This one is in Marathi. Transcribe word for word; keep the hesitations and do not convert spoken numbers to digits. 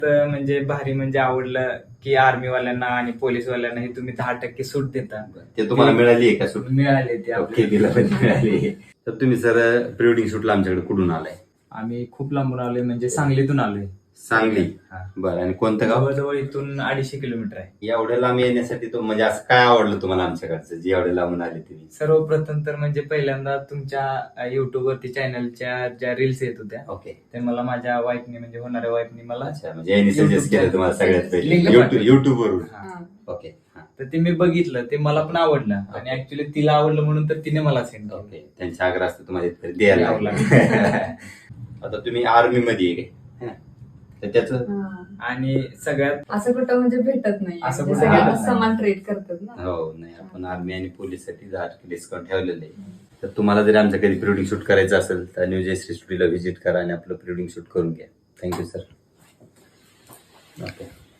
तर म्हणजे भारी म्हणजे आवडलं की आर्मीवाल्यांना आणि पोलीसवाल्यांना हे तुम्ही दहा टक्के सूट देता. ते तुम्हाला मिळाली आहे का सूट? मिळाले ते ओके, तिला पण मिळाली. तर तुम्ही सर प्री वेडिंग शूटला आमच्याकडे कुठून आलाय? आम्ही खूप लांबून आलोय, म्हणजे सांगलीतून आलोय. सांगली. हा. बरं, आणि कोणतं गाव? जवळजवळ इथून अडीचशे किलोमीटर आहे. एवढ्या लांब येण्यासाठी तो म्हणजे असं काय आवडलं तुम्हाला आमच्याकडचं जे एवढ्या लांबून आले तुम्ही? सर्वप्रथम तर म्हणजे पहिल्यांदा तुमच्या युट्यूब वरती चॅनलच्या ज्या रील्स येत होत्या, ओके, ते मला माझ्या वाईफने म्हणजे होणाऱ्या वाईफने मला अच्छा, म्हणजे यांनी सजेस्ट YouTube केलं तुम्हाला सगळ्यात Link पहिले पाठवली. युट्यूब युट्यूब वरून? हा. ओके, हा. तर ते मी बघितलं, ते मला पण आवडलं आणि Okay. ऍक्च्युली तिला आवडलं म्हणून तर तिने मला सेंड केलं. ओके, त्यांच्या आग्रह असतं तुम्हाला इथपर्यंत द्यायला द्यावं लागलं. आता तुम्ही आर्मी मध्ये आहे काय? हा. तर त्याचं हा. आणि सगळ्यात असं कुठं म्हणजे भेटत नाही, असं म्हणजे कुठं सगळ्यांना भेटत नाही. समान ट्रीट करतात ना. हो, नाही आपण आर्मी आणि पोलीस साठी दहा टक्के डिस्काउंट ठेवलेलं आहे. तर तुम्हाला जर आमचं कधी प्री वेडिंग शूट करायचं असेल तर न्यू जयश्री स्टुडिओला व्हिजिट करा आणि आपलं प्री वेडिंग शूट करून घ्या. Thank you sir. ओके.